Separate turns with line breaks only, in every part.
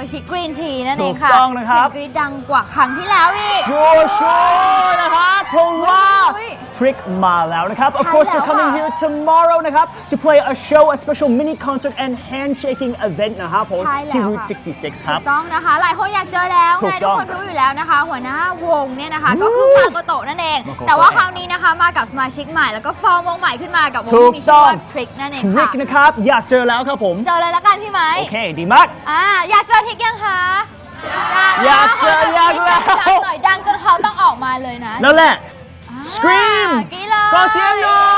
มาชิกกรีนทีนั่นเองค่ะ
ถูกต้องนะครับ
เสียงกรี๊ดดังกว่าครั้งที่แล้วอีก
ชัวร์นะครับเพราะว่า Trick มาแล้วนะครับ Of course they're coming here tomorrow นะครับ to play a show a special mini concert and handshaking event นะครับผม
ใช่แล้ว
ที่
ค่ะ
Route 66 ครับ
ถูกต้องนะคะหลายคนอยากเจอแล้ว
ถู
ไง
ก
ทุ
ต้
ก
อง
คนรู้อยู่แล้วนะคะ หัวหน้าวงเนี่ยนะคะก็คือมาโกโตะนั่นเอง
มาโกโตะ
แต่ว่าคราวนี้นะคะมากับสมาชิกใหม่แล้วก็ฟอร์มวงใหม่ขึ้นมากับวง
ถูก
ที่มีชื่อว่า
ต้อง
Trick นั่นเอง
Trick
ค่ะ
นะครับ อยากเจอแล้วครับผม
เจอเลยละกันพี่ไหม
โอเค ดีมาก
อยากเจอทิกยังคะ
อยากเจออยากแล้ว
ดังหน่อยดังจนเขาต้องออกมาเลยนะ
นั่นแหละ Scream
กรี๊ดเลย
ก็เสียงหน่อย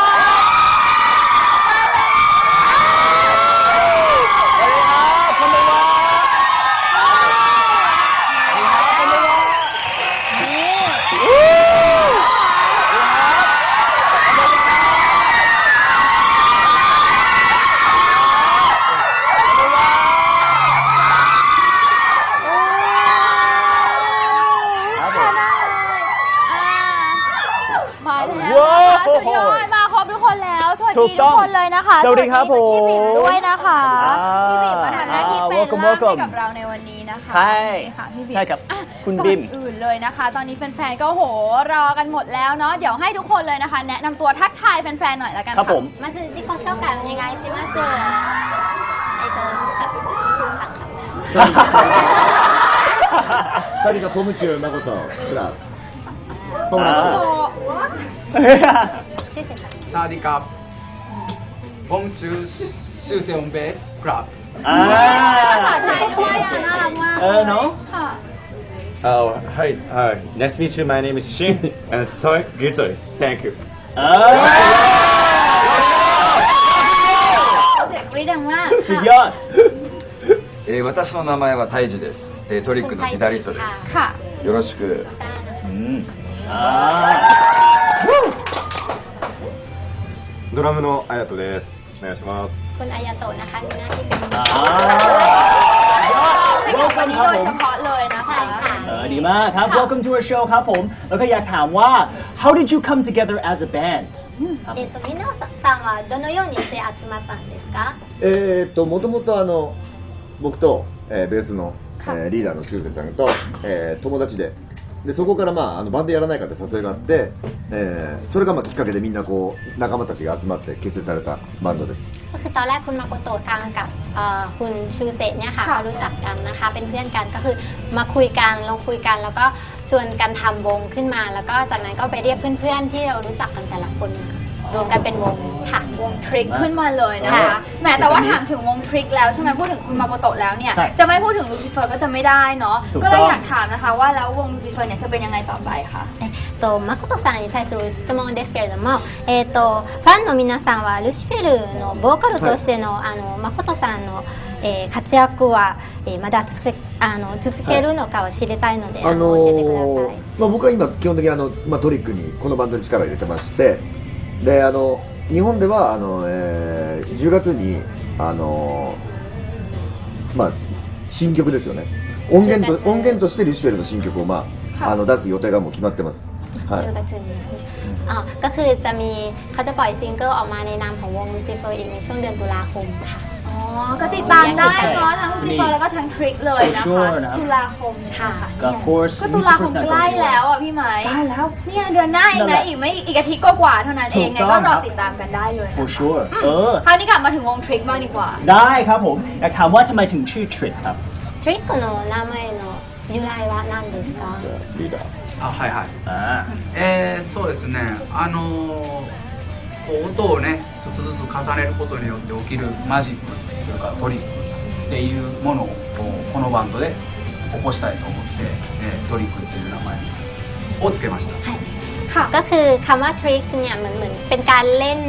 มาแล้วนะคะสุดยอดมาครบทุกคนแล้วสวัสดีทุกคนเลยนะคะ
สวัสดีครับผม
พี่บิ่มด้วยนะคะพี่บิ่มมาทำหน้าที่เป็น
welcome
ล่ามให้
welcome
กับเราในวันนี้นะคะ
ใช่
ค่ะพี่บิ่ม
ใช่ครับ
อ่ะ
คุณบิ่ม
ก่อนอื่นเลยนะคะ ตอนนี้แฟนๆก็โหรอกันหมดแล้วเนาะเดี๋ยวให้ทุกคนเลยนะคะ แนะนำตัวทักทายแฟนๆหน่อยละกัน
ครับ
ค่ะ
ผม
まず自己紹介お願いします。
サリカポムチュー誠クラブポムラ
โต
シュウセイさん。
サワディカボムチューシュウセオンベースクラブ
อ่า
ภาษาไทยด้วยอ่ะน่ารักมาก
เนาะ
ค่ะ
Hi, nice to meet you. My name is Shin, and sorry, guitarist. Thank you.
เสียงกรี๊ดดังมาก
สุดยอด
私の名前はタイジです。トリックのギタリストで
ค่ะ
す。よろしく。
ドラムのあやとです。お願いします。
คุณอายาโตะนะคะมีหน้าที่เป็น
ให้กับวันนี้โดยเฉพาะเลยนะคะ
ดีมากครับ Welcome to our show ครับผม แล้วก็อยากถามว่า How did you come together as a band?
皆さんはどのようにして集まったんですか？
もともと僕と、ベースの、リーダーの修正さんと、友達でそこから、バンドやらないかって誘いがあって、それがきっかけでみんなこう仲間たちが集まって結成されたバンドです。
ก็คือตอนแรกคุณมาโกโตะซังกับคุณชูเซะเนี่ยค่ะเขารู้จักกันนะคะเป็นเพื่อนกันก็คือมาคุยกันลองคุยกันแล้วก็ชวนกันทำวงขึ้นมา แล้วก็จากนั้นก็ไปเรียกเพื่อนๆที่เรารู้จักกันแต่ละคนมารวมกันเป็นวงค่ะ
วงทริคขึ้นมาเลยนะคะ
ค่ะ
แหมแต่ว่าถามถึงวงทริคแล้วใช่ไหมพูดถึงคุณมาโกโตะแล้วเนี่ย
ใช่
จะไม่พูดถึงลูซิเฟอร์ก็จะไม่ได้เนาะ
ถูกต้อง
ก็เลยอยากถามนะคะว่าแล้ววงลูซิเฟอร์เนี่ยจะเป็นยังไงต่อไปคะ
誠さんに対する質問ですけれども、ファンの皆さんはルシフェルのボーカルとしての、誠さんの、活躍は、まだ続けるのかを知りたいので、教えてください。
僕は今基本的にトリックにこのバンドに力を入れてましてで日本では10月に新曲ですよね音源としてルシフェルの新曲を、出す予定がもう決まってます、はい
10月にですねก็คือจะมีเขาจะปล่อยซิงเกิลออกมาในนามของวงลูซิเฟอร์อีกในช่วงเดือนตุลาคมค่ะ
อ๋อก็ติดตามได้เนาะทั้งลูซิเฟอร์แล้วก็ทั้งทริคเลยนะ
For
คะ
sure นะครับ
ตุลาคมค่ะ
ก็ of course
ก็ตุลาคมใกล้แล้วอ่ะพี่ไหม
ใกล้แล้ว
เนี่ยเดือนหน้าเอง
นั่นแห
นะ
ละ
อีกอาทิตย์ก็กว่าเท่านั้นเองไง
ถูกต้
ก็
อง
รอ
ครับ
ติดตามกันได้เลยนะคะ
For sure
คราวนี้กลับมาถึงวงทริคบ้างดีกว่า
ได้ครับผม อยากถามว่าทำไมถึงชื่อ Trick ครับ
トリックの名前の由来は何ですか？
リーダー
はいはい
อ่า
そうですねこう音をね一つずつ重ねることによって起きるマジックというかトリックっていうものをこのバンドで起こしたいと思って、トリックっていう名前をつけました。
ค่ะ
ก็คือคำว่าทริคเนี่ยเหมือนเป็นการเล่น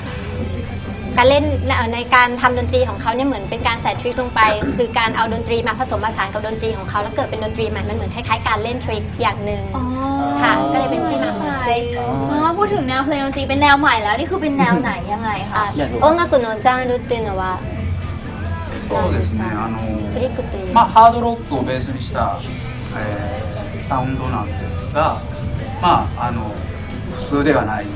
ในการทำดนตรีของเขาเนี่ยเหมือนเป็นการใส่ทริคลงไป คือการเอาดนตรีมาผสมผสานกับดนตรีของเขาแล้วเกิดเป็นดนตรีใหม่มันเหมือนคล้ายๆการเล่นทริคอย่างหนึ่ง
อ๋อ
ค่ะก็เลยเป็นที่มาของชื่อ
อ๋อพูดถึงแนวเพลงดนตรีเป็นแนวใหม่แล้วนี่คือเป็นแนวไหนยังไงคะ
อยากรู้
音楽のジャンルっていうのは
そうですね
トリックという
ハードロックをベースにした、サウンドなんですが普通ではない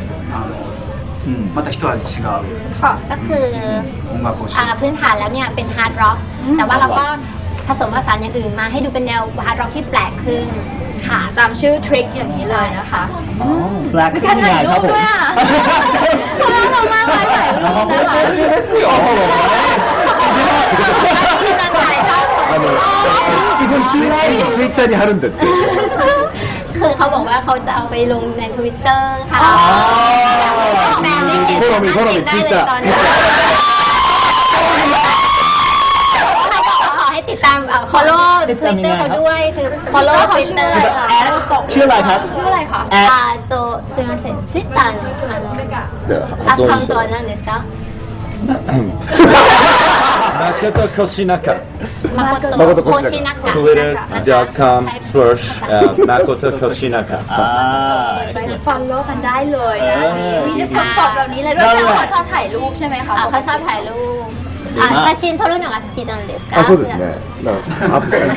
また一味違う
ก็คือ
音楽をしている
พื้นฐานแล้วเนี่ยเป็นฮาร์ดร็อกแต่ว่าเราก็ผสมผสานอย่างอื่นมาให้ดูเป็นแนวฮาร์ดร็อกที่แปลกขึ้นค่ะ
ตามชื่อทริคอย่างนี้เลยนะคะ
Black
มีการถ่ายรูปด้วยอ่ะน่ารักมากเลยถ่ายรูปนะคะ
ツイッターに貼るんだって
คือเขาบอกว่าเขาจะเอาไปลงใน Twitter ค่ะแฟนได้เห็น
フォローミーフォローミーツイッター
ตอนนี้เขาบอกว่าขอให้ติดตามfollow Twitter เขาด้วยคือ follow
เขาชื่ออะไร
Twitter
คะ
ชื่ออะไรครับ
ชื่ออะไรคะ
すみません Twitter のア
発音にした
カウントは何ですか
Makoto Koshinaka.
誠コシナカ
Twitter.com/Makoto Koshinaka.
ฟอลโล่กันได้เลยนะมีคนตอบแบบนี้เลยด้วยแสดงว่าเขาชอบถ่ายรูปใช่ไหมคะ
เขาชอบถ่ายรูป写真撮るのが好きなんですか
あそうですねだからアップしたいです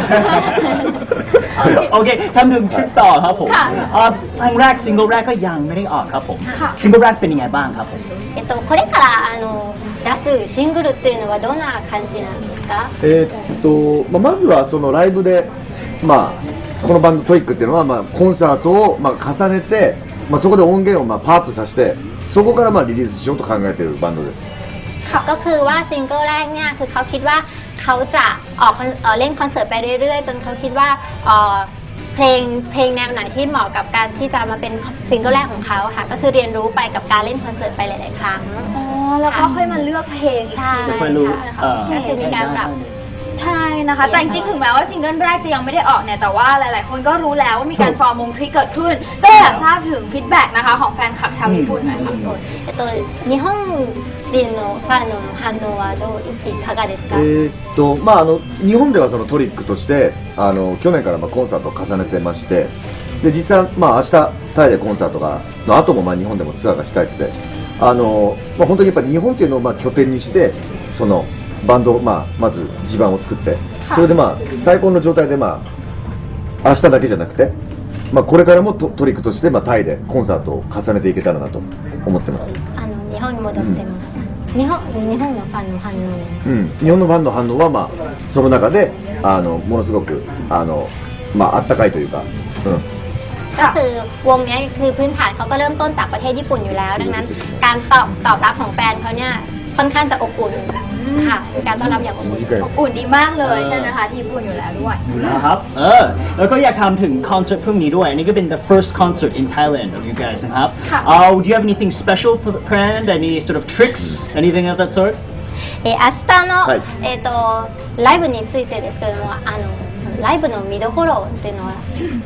โอเคทำหนึ่งทริปต่อครับผมเพลงแรกซิงเกิลแรกก็ยังไม่ได้ออกครับผมซิงเกิลแรกเป็นยังไงบ้างครับผม
これから出すシングルっていうのはどんな感じなんですか
まずはそのライブで、このバンドトリックっていうのは、コンサートを、重ねて、そこで音源を、パワーアップさせてそこから、リリースしようと考えているバンドです
ก็คือว่าซิงเกิลแรกเนี่ยคือเขาคิดว่าเขาจะออกเล่นคอนเสิร์ตไปเรื่อยๆจนเขาคิดว่าเพลงแนวไหนที่เหมาะกับการที่จะมาเป็นซิงเกิลแรกของเขาค่ะก็คือเรียนรู้ไปกับการเล่นคอนเสิร์ตไปหลายๆครั้ง
อ๋อแล้วก็ค่อยมาเลือกเพลงอีกทีนึง
ไม่รู้
ใช่ไหมคะ
ก็คือมีการปรับ
ใช่นะคะแต่จริงๆถึงแม้ว่าซิงเกิลแรกจะยังไม่ได้ออกเนี่ยแต่ว่าหลายๆคนก็รู้แล้วว่ามีการฟอร์มวงทริเกิดขึ้นก็เลยอยากทราบถึงฟีดแบ็กนะคะของแฟนคลับชาวญี่ปุ่นหน่อยค่ะ
日本人のファンの反応はいかがですか
日本ではそのトリックとして去年からコンサートを重ねてましてで実際、明日タイでコンサートの後も日本でもツアーが控えてて本当にやっぱり日本っていうのを拠点にしてそのバンドをまず地盤を作ってそれで最高の状態で明日だけじゃなくてこれからもトリックとしてタイでコンサートを重ねていけたらなと思ってます
日本に戻っても日本のファンの反応
日本のファンの反応はその中でものすごくあったかいというか
ก็คือวงนี้คือพื้นฐานเขาก็เริ่มต้นจากประเทศญี่ปุ่นอยู่แล้วดังนั้นการตอบรับของแฟนเขาเนี่ยค่อนข้างจะอบอุ่นค่ะการต้อนรับอย่างอบอุ่น
อุ่นดีมากเลยใช่ไหมคะที่ญี่ปุ่นอยู่แล้วด้วย
นะครับแล้วก็อยากถามถึงคอนเสิร์ตพรุ่งนี้ด้วยอันนี้ก็เป็น the first concert in Thailand of you guys นะครับ do you have anything special planned any sort of tricks anything of that sort
明日の、ライブについてですけれどもライブの見どころっていうのは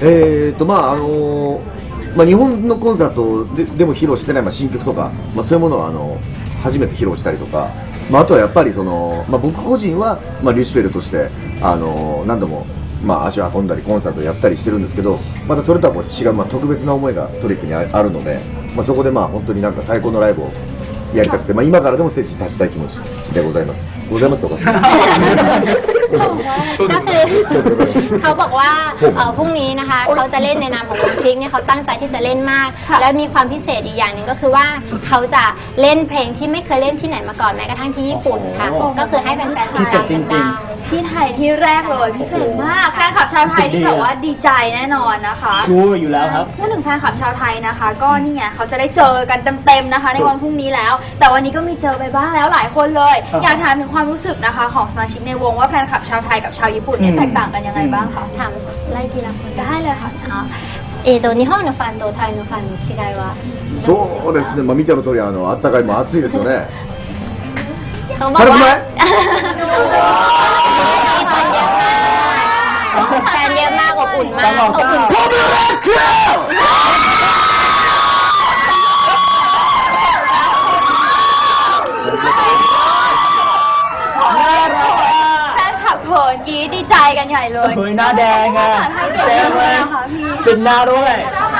日本のコンサートでも披露してない新曲とか、そういうものを初めて披露したりとか、あとはやっぱり僕個人は、リュシフェルとして何度も、足を運んだりコンサートをやったりしてるんですけどまたそれとは違う、特別な思いがトリックにあるので、そこで本当に最高のライブをやりたくて、今からでもステージに立ちたい気持ちでございますございますとか
ก็คือเขาบอกว่าพรุ่งนี้นะคะเขาจะเล่นในนามของวงทริกเนี่ยเขาตั้งใจที่จะเล่นมากและมีความพิเศษอีกอย่างหนึ่งก็คือว่าเขาจะเล่นเพลงที่ไม่เคยเล่นที่ไหนมาก่อนแม้กระทั่งที่ญี่ปุ่นค่ะก็คือให้แฟนๆติดตามกันได้
ที่ไทยที่แรกเลยพิเศษมากแฟนคลับชาวไทยที่แบบว่าดีใจแน่นอนนะคะ
ชัวร์อยู่แล้วครับ
พูดถึงแฟนคลับชาวไทยนะคะ ก็นี่ไงเขาจะได้เจอกันเต็มๆนะคะในวันพรุ่งนี้แล้ว แต่วันนี้ก็มีเจอไปบ้างแล้วหลายคนเลย อยากถามถึงความรู้สึกนะคะของสมาชิกในวงว่าแฟนคลับชาวไทยกับชาวญี่ปุ่นเนี่ยแตกต่างกันยังไงบ้างคะ
ถามไล่ทีละคน
ได้เลยค่ะ
日本のファンとタイのファンの違いは
そうですね、見ての通りあったかい暑いですよね
เขาบอกว่าแฟนเยอะมากอบอุ่นมากอบอุ่น
แฟนคลับเขินกรี๊ดดีใจกันใหญ่เลย
เฮ้ยหน้าแดงอ่ะ
ภาษาไทยเก่งมากเลยนะคะพี่
เป็นหน้าด้วย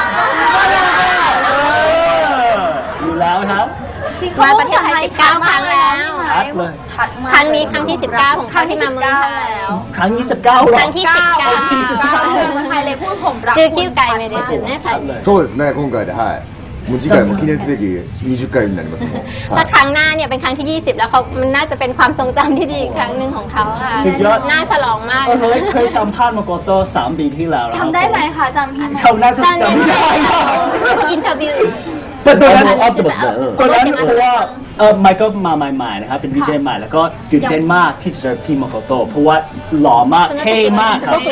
อยู่แล้วครับ
จริง
มาประเทศไทย19 ครั้งแล้ว
ชัดเลย
ชัดมาก
ครั้งนี้ครั้งที่ 19 ของเขาที่มาเมืองไทย
แล้ว
ครั้งที่19หรอ
ครั้งที่ 19
19เมืองไทยเลยพูดผมรัก
จื้อกิ้วไก่ไม่ได้สุดแน่ใจ
そうですね今回ではいもう次回も記念すべき20回になりますもん、
ถ้าครั้งหน้าเนี่ยเป็นครั้งที่ 20 แล้วเขามันน่าจะเป็นความทรงจำที่ดีอีกครั้งหนึ่งของเขาค่ะ
สุดยอด
น่าฉลองมาก
เคยสัมภาษณ์มาโกโต้3 ปีที่แล้วนะครับ
จำได้ไหมคะจำพี่ไหม
เขาน่าจะจำไม่ได้
อินเทอร์วิว
แต่ตอนนั้น
あってますね、
ตอนนั้นเพราะว่าไมเคิลมาใหม่ๆนะครับเป็นวีเจใหม่แล้วก็ตื่นเต้นมากที่จะเจอพี่มาโกโต้เพราะว่าหล่อมากเท่มากครับ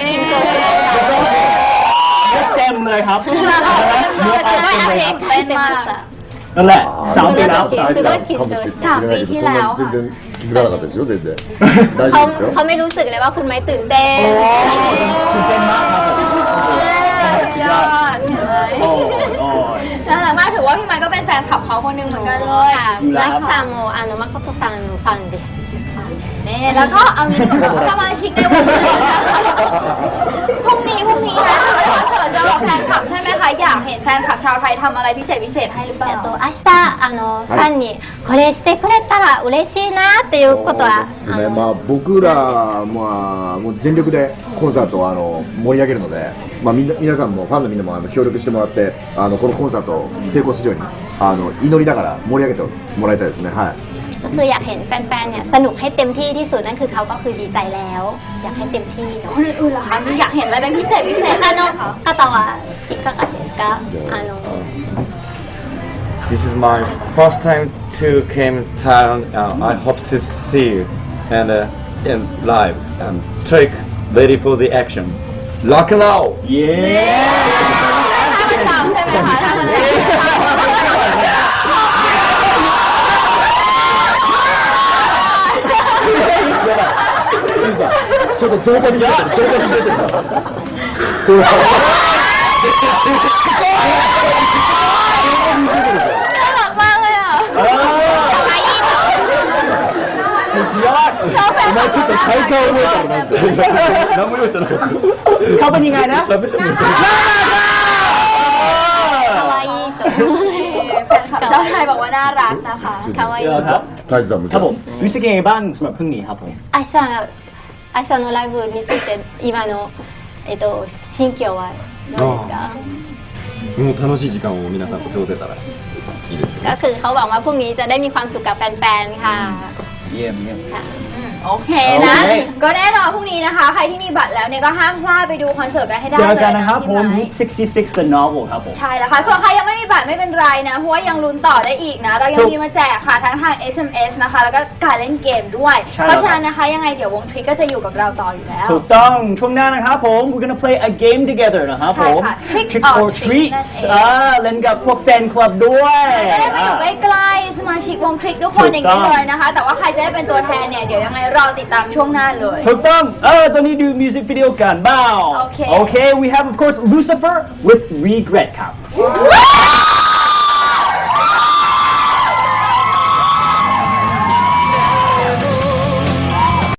เต็มเลยครับ
เต้นมาก
นั่นแหละ3 ปีแล้ว
3ปี
すごい緊張して
かもしれないけど、そんな全然気づかなかったですよ、全然。大丈
เขา
夫ですよ。
เขาไม่รู้สึกเลยว่าคุณไม้ตื่นเต้น
ตื่นเต้นมากครับผม
สุดยอดเห็นไหม
โอ้ย
น่ารักมากถือว่าพี่ไมค์ก็เป็นแฟนคลับเขาคนหนึ่งเหมือนกันเลย
ค่ะรักซาโมมาโคโตะซังのファンです
นี่แล้วก็เอางี้ดีกว่าสมาชิกในวงพรุ่งนี้นะคอนเสิร์ตจะบอกแฟนคลับใช่ไหมคะอยากเห็นแฟนคลับชาวไทยทำอะไรพิเศษให้หรือเปล่า
明日ファンにこれしてくれたら嬉しいなっていうことは
そうですね、まあ僕らもう全力でコンサートを盛り上げるので、まあ皆さんもファンのみんなも協力してもらってこのコンサートを成功するように祈りながら盛り上げてもらいたいですね。はい。
ก็คืออยากเห็นแฟนๆเนี่ยสนุกให้เต็มที่ที่สุดนั่นคือเขาก็คือดีใจแล้ว อยากให้เต็มที่
คนอื่นๆล่ะคะอยากเห็นอะไรเป็นพิเศษไหมคะ
方はいかがですか
This is my first time to came town. I hope to see you and in live and trick ready for the action. Rock and roll.
เย้
ถ้าประจำใช่ไหมคะ
ちょっと動画に出てる、動画に出てるから。
น่ารักมากเลยอ่ะ
สุดยอด
ชอบแฟนคลับ
ちょっと体幹覚えたらなんて。
何も用意してなかった。
เขาเป็นยังไงนะ
喋ってみて。
คาวาอิโตะ
แฟนคลับชาวไทยบอกว่าน่ารักนะคะ
คาวาอิ
ครับ
大地さんも。
ครับผมรู้สึกยังไงบ้างสำหรับพรุ่งนี้ครับผม
明日のライブについて今の心境はどうですか
もう楽しい時間を皆さんと過ごせたらいいですよね。
ก็คือเขาหวังว่าพรุ่งนี้จะได้มีความสุขกับแฟนๆค่ะ
เยี่ยมเยี่ยม
โอเคนะ
โอเค
ก็แน่นอนพรุ่งนี้นะคะ ใครที่มีบัตรแล้วเนี่ยก็ห้ามพลาดไปดูคอนเสิร์ตกันให้ได้
เจ
เล
อย กันนะครับ
นะ
ผ
พี่
ม
ไม้
66 The Novel ครับผม
ใช่แล้วค่ะ ส่วนใครยังไม่มีบัตรไม่เป็นไรนะ เพราะว่ายังลุ้นต่อได้อีกนะ เรายังมีมาแจกค่ะทั้งทาง SMS นะคะ แล้วก็การเล่นเกมด้วย
ใช่
เพ
แล้ว
ราะฉะนั้นนะคะยังไงเดี๋ยววงทริกก็จะอยู่กับเราต่ออยู่แล้ว
ถูกต้องช่วงหน้านะครับผม we're gonna play a game together นะครับผม
ใช่ค่ะ Trick
Trick
or
or
Treat
Treats
นั่นเอง
เล่นกับพวกแฟนคลับด้วย
จะได้มาอยู่ใกล้ๆสมาชิกวงทริกทุกคนอย่างนี้เลยนะคะ แต่ว่าใครจะได้เป็นตัวแทนเนี่ยเดี๋ยวยังไงรอติดตามช่วงหน้าเลย
ถูกต้องตอนนี้ดูมิวสิกวิดีโอกันบ้าง
โอเค
we have of course Lucifer with Regret ครับ
ว้าว